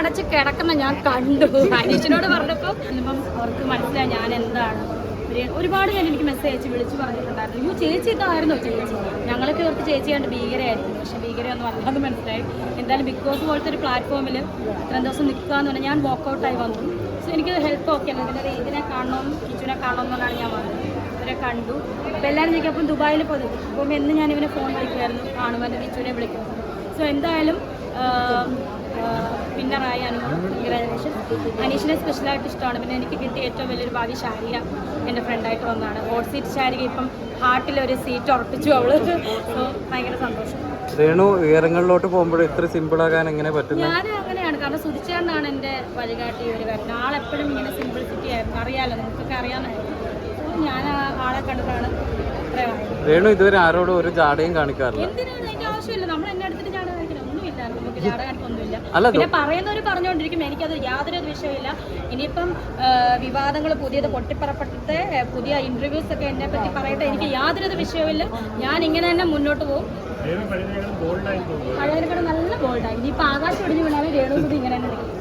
കണ്ണടച്ച് കിടക്കുന്ന ഞാൻ കണ്ടു. അനീഷിനോട് പറഞ്ഞപ്പോൾ ഇപ്പം അവർക്ക് മനസ്സിലായി ഞാൻ എന്താണ്. ഒരുപാട് ഞാൻ എനിക്ക് മെസ്സേജ് അയച്ച് വിളിച്ച് പറഞ്ഞിട്ടുണ്ടായിരുന്നു. അയ്യോ ചേച്ചി ഇതായിരുന്നോ ചേച്ചി, ഞങ്ങളൊക്കെ ഓർത്ത് ചേച്ചിയാണ്ട് ഭീകരമായിരുന്നു. പക്ഷേ ഭീകരമൊന്നും അല്ലാതെ മനസ്സിലായി. എന്തായാലും ബിഗ് ബോസ് പോലത്തെ ഒരു പ്ലാറ്റ്ഫോമിൽ ഇത്രയും ദിവസം നിൽക്കുക എന്ന് പറഞ്ഞാൽ ഞാൻ വോക്കൗട്ടായി വന്നു. സോ എനിക്ക് ഹെൽപ്പ് ഒക്കെ ആണ്. ഇതിനെ കാണണം, കിച്ചുവിനെ കാണണം എന്നുള്ളതാണ് ഞാൻ വന്നത്. ഇവരെ കണ്ടു. അപ്പോൾ എല്ലാവരും ചോദിക്കും അപ്പം ദുബായിൽ പോയി. അപ്പം എന്ന് ഞാൻ ഇവനെ ഫോൺ വിളിക്കുമായിരുന്നു, കാണുമ്പോൾ എൻ്റെ കിച്ചുവിനെ വിളിക്കും. സോ എന്തായാലും വിന്നറായി അനുമോൾ, കൺഗ്രാജുലേഷൻ. അനീഷിനെ സ്പെഷ്യലായിട്ട് ഇഷ്ടമാണ്. പിന്നെ എനിക്ക് കിട്ടിയ ഏറ്റവും വലിയൊരു ഭാഗ്യം ഷാരിക എൻ്റെ ഫ്രണ്ടായിട്ട് വന്നതാണ്. ഹോട്ട് സീറ്റ് ഷാരിക ഇപ്പം ഹാർട്ടിലൊരു സീറ്റ് ഉറപ്പിച്ചു അവള്. സോ ഭയങ്കര സന്തോഷം. രേണു ഉയരങ്ങളിലോട്ട് പോകുമ്പോൾ ഇത്ര സിമ്പിൾ ആകാൻ എങ്ങനെ പറ്റും? ഞാൻ അങ്ങനെയാണ്, കാരണം സുധിച്ചേട്ടനാണ് എൻ്റെ വഴികാട്ടി ഒരു കാര്യം. ആളെപ്പോഴും ഇങ്ങനെ സിംപിൾസിറ്റി ആയിരുന്നു, അറിയാമല്ലോ, നമുക്കൊക്കെ അറിയാമെന്നായിരുന്നു. ഞാൻ ആളെ കണ്ടതാണ് ഇത്രയും. രേണു ഇതുവരെ ആരോടും ഒരു ജാടയും കാണിക്കാറില്ല. എന്തിനാണ് അതിൻ്റെ ആവശ്യമില്ല. നമ്മൾ എന്നെ അടുത്തിട്ട് ജാട കാണിക്കണം ഒന്നുമില്ല, നമുക്ക് ജാട കാണിക്കൊന്നുമില്ല. പിന്നെ പറയുന്നവർ പറഞ്ഞുകൊണ്ടിരിക്കും, എനിക്കത് യാതൊരു വിഷയമില്ല. ഇനിയിപ്പം വിവാദങ്ങൾ പുതിയത് പൊട്ടിപ്പറപ്പെട്ടിട്ട് പുതിയ ഇന്റർവ്യൂസ് ഒക്കെ എന്നെ പറ്റി പറയട്ടെ, എനിക്ക് യാതൊരു വിഷയമില്ല. ഞാൻ ഇങ്ങനെ തന്നെ മുന്നോട്ട് പോകും. പഴയതിനെക്കാളും നല്ല ബോൾഡായി. ഇനിയിപ്പോൾ ആകാശം ഒടിഞ്ഞു വീണാലും രേണുസുതി ഇങ്ങനെ തന്നെ നിൽക്കും.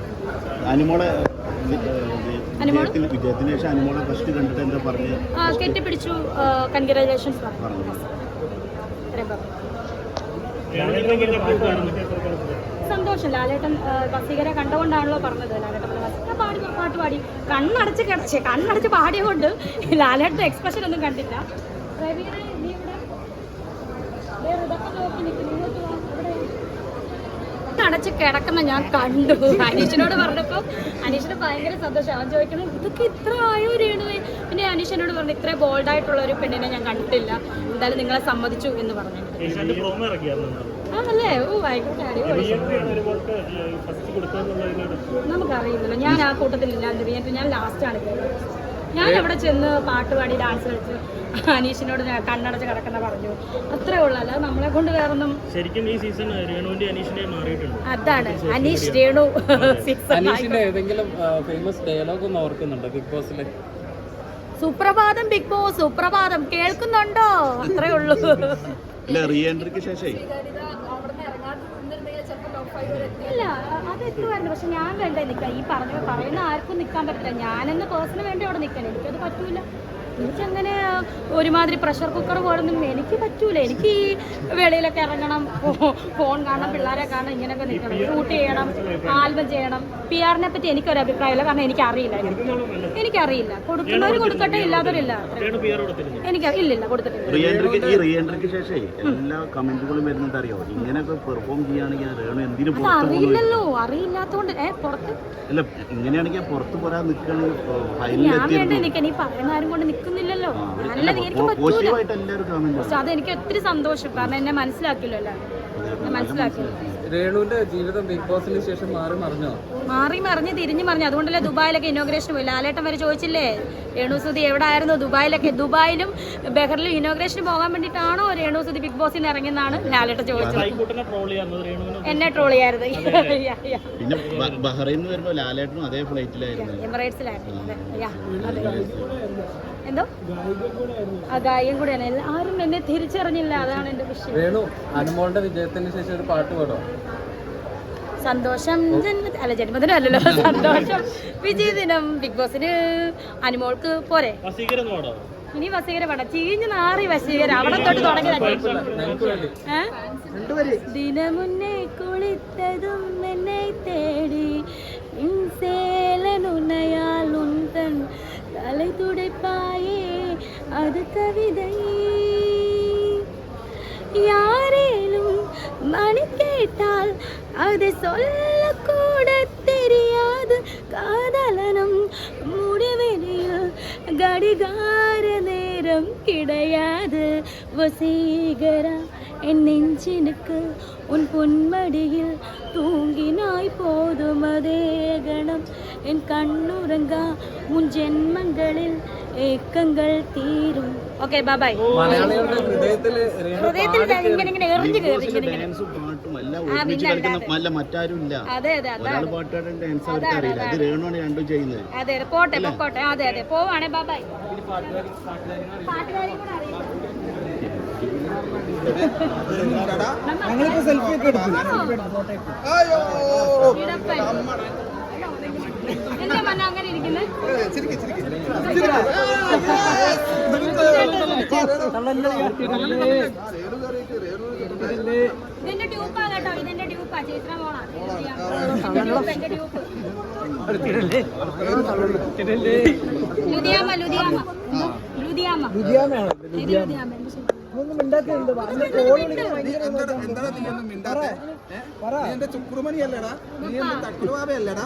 കെട്ടിപ്പിടിച്ചു, കൺഗ്രാജുലേഷൻസ് പറഞ്ഞു. സന്തോഷം. ലാലേട്ടൻ വസീകരെ കണ്ടുകൊണ്ടാണല്ലോ പറഞ്ഞത്. ലാലേട്ടൻ പാട്ട് പാടി കണ്ണടച്ച് പാടിയതുകൊണ്ട് ലാലേട്ടൻ എക്സ്പ്രഷൻ ഒന്നും കണ്ടില്ല. അടച്ച് കിടക്കുന്ന ഞാൻ കണ്ടു. അനീഷിനോട് പറഞ്ഞപ്പോൾ അനീഷിന് ഭയങ്കര സന്തോഷം. അവൻ ചോദിക്കണം ഇതൊക്കെ ഇത്ര ആയോ രേണുവേ. പിന്നെ അനീഷിനോട് പറഞ്ഞു ഇത്ര ബോൾഡായിട്ടുള്ള ഒരു പെണ്ണിനെ ഞാൻ കണ്ടിട്ടില്ല, എന്തായാലും നിങ്ങളെ സമ്മതിച്ചു എന്ന് പറഞ്ഞു. ആണല്ലേ? ഓ ആയിക്കോട്ടെ, നമുക്കറിയില്ലല്ലോ. ഞാൻ ആ കൂട്ടത്തിലില്ല. ഞാൻ ലാസ്റ്റാണ് കേട്ടത്. ഞാൻ അവിടെ ചെന്ന് പാട്ട് പാടി ഡാൻസ് കളിച്ച് അനീഷിനോട് കണ്ണടച്ച് കിടക്കുന്ന പറഞ്ഞു, അത്രേ ഉള്ളൂ. അല്ലാതെ നമ്മളെ കൊണ്ട് വേറൊന്നും. ശരിക്കും ഈ സീസൺ രേണുവിന്റെ അനീഷിന്റെ മാറിയിട്ടുണ്ട്. അതാണ് അനീഷ് രേണു സീസൺ. അനീഷിന്റെ ഏതെങ്കിലും ഫേമസ് ഡയലോഗ് ഒന്ന് ഓർക്കുന്നുണ്ടോ ബിഗ് ബോസിലെ? സുപ്രഭാതം ബിഗ് ബോസ്, സുപ്രഭാതം കേൾക്കുന്നുണ്ടോ? അത്രേ ഉള്ളൂ. ഇല്ല, അത് എത്തുമായിരുന്നു. പക്ഷെ ഞാൻ വേണ്ടേ നിൽക്കാം. ഈ പറയുന്ന ആർക്കും നിൽക്കാൻ പറ്റില്ല. ഞാനെന്ന് പേഴ്സണിന് വേണ്ടി അവിടെ നിൽക്കണം. എനിക്കത് പറ്റൂല. എനിക്കങ്ങനെ ഒരുമാതിരി പ്രഷർ കുക്കർ പോലൊന്നും എനിക്ക് പറ്റൂല. എനിക്ക് ഈ വെളിയിലൊക്കെ ഇറങ്ങണം, ഫോൺ കാണണം, പിള്ളേരെ കാണണം, ഇങ്ങനെയൊക്കെ നിൽക്കണം, ഷൂട്ട് ചെയ്യണം, ആൽബം ചെയ്യണം. PR-നെ പറ്റി എനിക്കൊരു അഭിപ്രായമില്ല, കാരണം എനിക്കറിയില്ല. കൊടുക്കുന്നവർ കൊടുക്കട്ടെ, ഇല്ലാത്തവരില്ല. എനിക്ക് ഇല്ലില്ല, കൊടുത്തിട്ടില്ല. അറിയില്ലല്ലോ, അറിയില്ലാത്തോണ്ട് പുറത്ത് ഞാൻ വേണ്ട നിൽക്കാൻ. ഈ പറയുന്ന ആരും കൊണ്ട് നിൽക്കുന്നില്ലല്ലോ. നല്ലത് എനിക്ക് പറ്റൂല. പക്ഷെ അതെനിക്ക് ഒത്തിരി സന്തോഷം, കാരണം എന്നെ മനസ്സിലാക്കിയല്ലോ. മനസ്സിലാക്കില്ല. രേണുവിന്റെ ജീവിതം ബിഗ് ബോസിന് ശേഷം മാറി മറിഞ്ഞ് തിരിഞ്ഞു മറിഞ്ഞു. അതുകൊണ്ടല്ലേ ദുബായിലൊക്കെ ഇനോഗ്രേഷൻ പോയി. ലാലേട്ടൻ വരെ ചോദിച്ചില്ലേ രേണുസുതി എവിടെ ആയിരുന്നു ദുബായിലൊക്കെ. ദുബായിലും ബഹറിലും ഇനോഗ്രേഷന് പോകാൻ വേണ്ടിയിട്ടാണോ രേണുസുതി ബിഗ് ബോസിൽ നിന്ന് ഇറങ്ങിയെന്നാണ് ലാലേട്ടൻ ചോദിച്ചത്. എന്നെ ട്രോൾ ചെയ്യാറുണ്ട്. എമിറേറ്റ്സിലായിരുന്നു. എന്തോ ആ ഗായകൻ കൂടെയാണ്. ആരും എന്നെ തിരിച്ചറിഞ്ഞില്ല, അതാണ് എന്റെ വിഷയം. രേണു അനുമോളുടെ വിജയത്തിന് ശേഷം ഒരു പാട്ട് പാടോ? സന്തോഷം ജന്മദിനം അല്ലല്ലോ, സന്തോഷം വിജയദിനം. ബിഗ് ബോസിന് അനുമോൾക്ക് പോരെ. ഇനി വസീകര പാടാം. ചീഞ്ഞ് നാറി വസീകര അവിടെ തൊട്ട് തുടങ്ങി. ദിനമുന്നേ കുളിത്തതും എന്നെ തേടി சேலனுனையால் உந்தன் தலை துடைப்பாயே அது கவிதை. யாரேனும் மணி கேட்டால் அதை சொல்லக்கூட தெரியாது. காதலனும் முடிவெளியில் கடிகார நேரம் கிடையாது. வசீகரா என் நெஞ்சினுக்கு உன் பொன்மடியில் தூங்கினாய் போதும் அதே கணம் என் கண்ணுறங்கா உன் ജന്മങ്ങളിൽ ഏക്കങ്ങൾ തീരും. Okay bye bye. ഹൃദയത്തിൽ ഇങ്ങനെ എറിഞ്ഞു കയറി. അതെ അതെ അതെ പോട്ടെ പൊക്കോട്ടെ. അതെ അതെ പോവാണേ. Bye bye. പാട്ടുകാരി കൂടെ അറിയാം. ഞങ്ങളിപ്പോ സെൽഫി ഒക്കെ എടുത്തു. എന്താ മന്ന അങ്ങനെ ഇരിക്കുന്നത്? ഇതിന്റെ ട്യൂപ്പാ കേട്ടോ, ഇതിന്റെ ട്യൂപ്പാ. ചേച്ചിയുടെ മോളാ എന്റെ ട്യൂപ്പ്. ലുധിയാമ ലുധിയാമ ലുധിയാമ ലുധിയാമയാണോ? ഇത് ലുധിയാമ. ഒന്നും മിണ്ടാക്കുന്നുണ്ട്. കോൾ വിളിക്കാൻ ഭയങ്കര പറ. എന്റെ ചുക്രുമണി അല്ലടാ, നീ എന്റെ തക്കുളുവാവയല്ലടാ.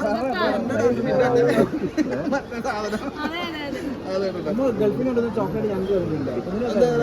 അതെ അതെ അതെ. നമ്മൾ ഗൾഫിനോടൊന്നും ചോക്ലേറ്റ് ഞങ്ങൾക്ക് തരുന്നില്ല.